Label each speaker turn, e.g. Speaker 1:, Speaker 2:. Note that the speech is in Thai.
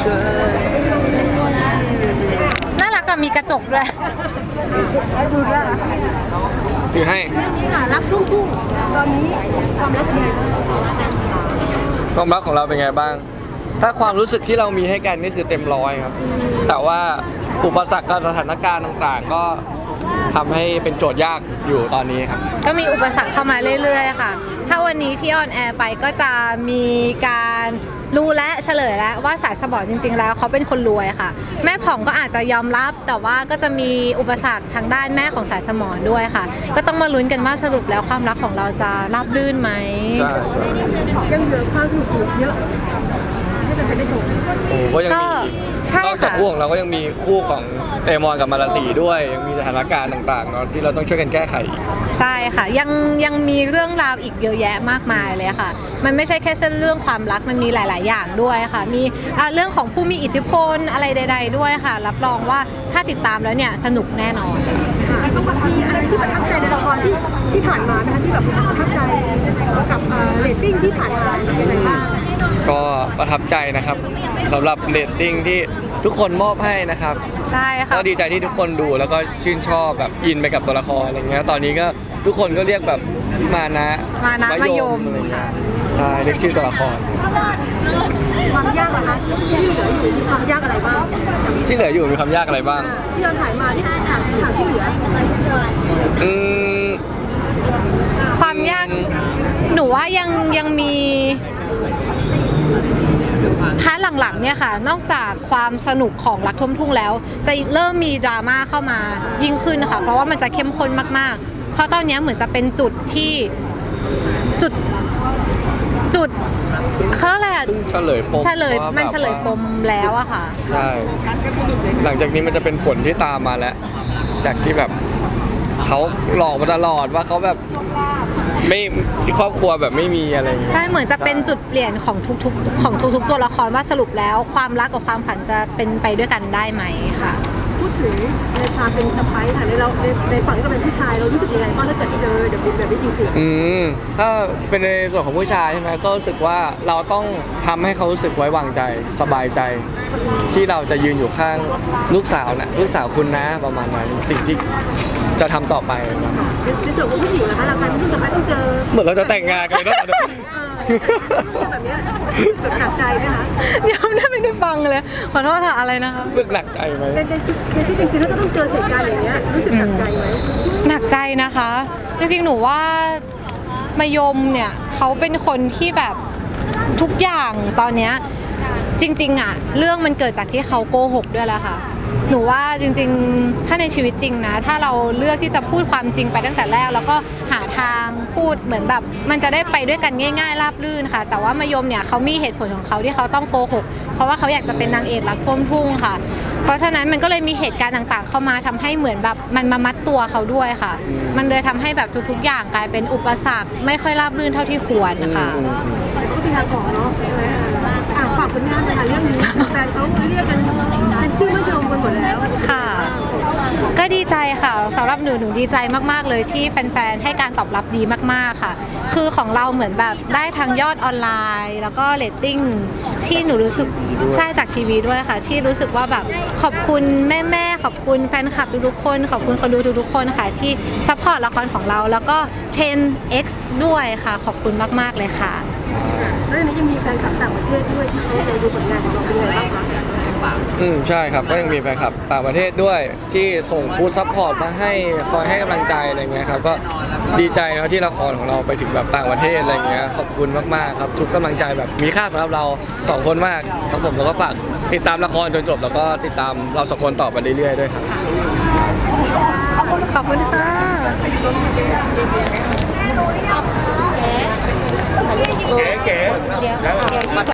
Speaker 1: น่ารักกับมีกระจกด้วย
Speaker 2: ถือให้
Speaker 3: รักลูกตอนนี้ความรักเป็นไง
Speaker 2: ความรักของเราเป็นไงบ้างถ้าความรู้สึกที่เรามีให้กันนี่คือเต็มร้อยครับแต่ว่าอุปสรรคกับสถานการณ์ต่างๆก็ทำให้เป็นโจทย์ยากอยู่ตอนนี้ครับ
Speaker 1: ก็มีอุปสรรคเข้ามาเรื่อยๆค่ะถ้าวันนี้ที่ออนแอร์ไปก็จะมีการรู้และเฉลยแล้วว่าสายสปอร์ตจริงๆแล้วเขาเป็นคนรวยค่ะแม่ผ่องก็อาจจะยอมรับแต่ว่าก็จะมีอุปสรรคทางด้านแม่ของสายสมรด้วยค่ะก็ต้องมาลุ้นกันว่าสรุปแล้วความรักของเราจะราบรื่นไหม
Speaker 2: ใช่
Speaker 3: ยังเหลือความสนุกเยอะให้เป็นไปได้ชม
Speaker 2: โอ้ก็ยังมีนอกจากคู่ของเราก็ยังมีคู่ของเตมอนกับมาราสีด้วยยังมีสถานการณ์ต่างๆเนาะที่เราต้องช่วยกันแก้ไข
Speaker 1: ใช่ค่ะยังมีเรื่องราวอีกเยอะแยะมากมายเลยค่ะมันไม่ใช่แค่เส้นเรื่องความรักมันมีหลายๆอย่างด้วยค่ะมีเรื่องของผู้มีอิทธิพลอะไรใดๆด้วยค่ะรับรองว่าถ้าติดตามแล้วเนี่ยสนุกแน่นอน
Speaker 3: แล้วก็มีอะไรที่ประทับใจในละครที่ผ่านมานะคะที่แบบประทับใจกับเรตติ้งที่ผ่านมาเป็นยังไงบ้าง
Speaker 2: ก็ประทับใจนะครับสำหรับเรตติ้งที่ทุกคนมอบให้นะครับ
Speaker 1: ใช่ค่ะ
Speaker 2: ก็ดีใจที่ทุกคนดูแล้วก็ชื่นชอบแบบอินไปกับตัวละครอะไรเงี้ยตอนนี้ก็ทุกคนก็เรียกแบบมานะ
Speaker 1: มายมค่ะ
Speaker 2: ใช่เรียกชื่อตัวละคร
Speaker 3: ความยากอะคะที่เหลืออยู่มีความยากอะไรบ้าง
Speaker 2: ที่เหลืออยู่มีความยากอะไรบ้าง
Speaker 3: ที่เราถ่ายมาที่ฉากที่เหลือ
Speaker 1: ความยากหนูว่ายังมีพาร์ทหลังๆเนี่ยค่ะนอกจากความสนุกของรักท่วมทุ่งแล้วจะเริ่มมีดราม่าเข้ามายิ่งขึ้นนะคะเพราะว่ามันจะเข้มข้นมากๆเพราะตอนนี้เหมือนจะเป็นจุดที่จุดเขาอะไรอะ
Speaker 2: เฉลยปม
Speaker 1: มันเฉลยปมแล้วอะค่ะ
Speaker 2: ใช่หลังจากนี้มันจะเป็นผลที่ตามมาแล้วจากที่แบบเขาหลอกมาตลอดว่าเขาแบบไม่ที่ครอบครัวแบบไม่มีอะไร
Speaker 1: ใช่เหมือนจะเป็นจุดเปลี่ยนของทุกตัวละครว่าสรุปแล้วความรักกับความฝันจะเป็นไปด้วยกันได้ไหมค่ะ
Speaker 3: พูดถึงในความเป็นสไปซ์ค่ะในฝั่งที่เราเป็นผู้ชายเรารู้สึกยังไงบ้างถ้าเกิดเจอเดี๋ยวเป็นแบบนี้จริง
Speaker 2: ๆถ้าเป็นในส่วนของผู้ชายใช่ไหมก็รู้สึกว่าเราต้องทำให้เขารู้สึกไว้วางใจสบายใจที่เราจะยืนอยู่ข้างลูกสาวนะลูกสาวคุณนะประมาณนั้นสิ่งที่จะทำต่อไป
Speaker 3: ครับในส่วนของผู้หญิงนะคะเราการผู้สไปซ์ต้องเจอ
Speaker 2: เหมือนเราจะแต่งงานกันแล้ว
Speaker 3: แบบนี้แบบหนักใจไหมคะ
Speaker 1: ยังไม่ได้ฟังเลยขอโทษค่ะอะไรนะคะ
Speaker 2: รู้สึกหนักใจไหม
Speaker 3: ในชีวิตจริงๆแล้วก็ต้องเจอเหตุการณ์อย่างเงี้ยรู้สึกหนักใจไหม
Speaker 1: หนักใจนะคะจริงๆหนูว่ามายมเนี่ยเขาเป็นคนที่แบบทุกอย่างตอนเนี้ยจริงๆอ่ะเรื่องมันเกิดจากที่เขาโกหกด้วยแหละค่ะหนูว่าจริงๆถ้าในชีวิตจริงนะถ้าเราเลือกที่จะพูดความจริงไปตั้งแต่แรกแล้วก็หาทางพูดเหมือนแบบมันจะได้ไปด้วยกันง่ายๆราบรื่นค่ะแต่ว่ามายมเนี่ยเขามีเหตุผลของเขาที่เขาต้องโกหกเพราะว่าเขาอยากจะเป็นนางเอกรักท่วมทุ่งค่ะเพราะฉะนั้นมันก็เลยมีเหตุการณ์ต่างๆเข้ามาทำให้เหมือนแบบมันมามัดตัวเขาด้วยค่ะมันเลยทำให้แบบทุกๆอย่างกลายเป็นอุปสรรคไม่ค่อยราบรื่นเท่าที่ควรค่ะ
Speaker 3: ก็มีทางออกเนาะฝากผลงานเลยค่ะเรื่องนี้แฟนเขาเรียกกันเป็นชื่อมะยมกันหมดแล้ว
Speaker 1: ค่ะก็ดีใจค่ะสำหรับหนูดีใจมากๆเลยที่แฟนๆให้การตอบรับดีมากๆค่ะคือของเราเหมือนแบบได้ทางยอดออนไลน์แล้วก็เรตติ้งที่หนูรู้สึกใช่จากทีวีด้วยค่ะที่รู้สึกว่าแบบขอบคุณแม่ๆขอบคุณแฟนคลับทุกๆคนขอบคุณคนดูทุกๆคนค่ะที่ซัพพอร์ตละครของเราแล้วก็ 10X ด้วยค่ะขอบคุณมากๆเลยค่ะ
Speaker 3: แล้วนี้ยังมีแฟนคลับต่างประเทศด้วยที่เขาดูผลงานของเราเป็นไงบ้างคะ
Speaker 2: ใช่ครับก็ยังมีแฟนคลับต่างประเทศด้วยที่ส่งฟู้ดซัพพอร์ตมาให้คอยให้กำลังใจอะไรเงี้ยครับก็ดีใจนะที่ละครของเราไปถึงแบบต่างประเทศอะไรเงี้ยขอบคุณมากๆครับทุกกำลังใจแบบมีค่าสำหรับเรา2คนมากครับผมแล้วก็ฝากติดตามละครจนจบแล้วก็ติดตามเรา2คนต่อไปเรื่อยๆด้วยครับ
Speaker 1: ขอบคุณค่ะ
Speaker 2: เก๋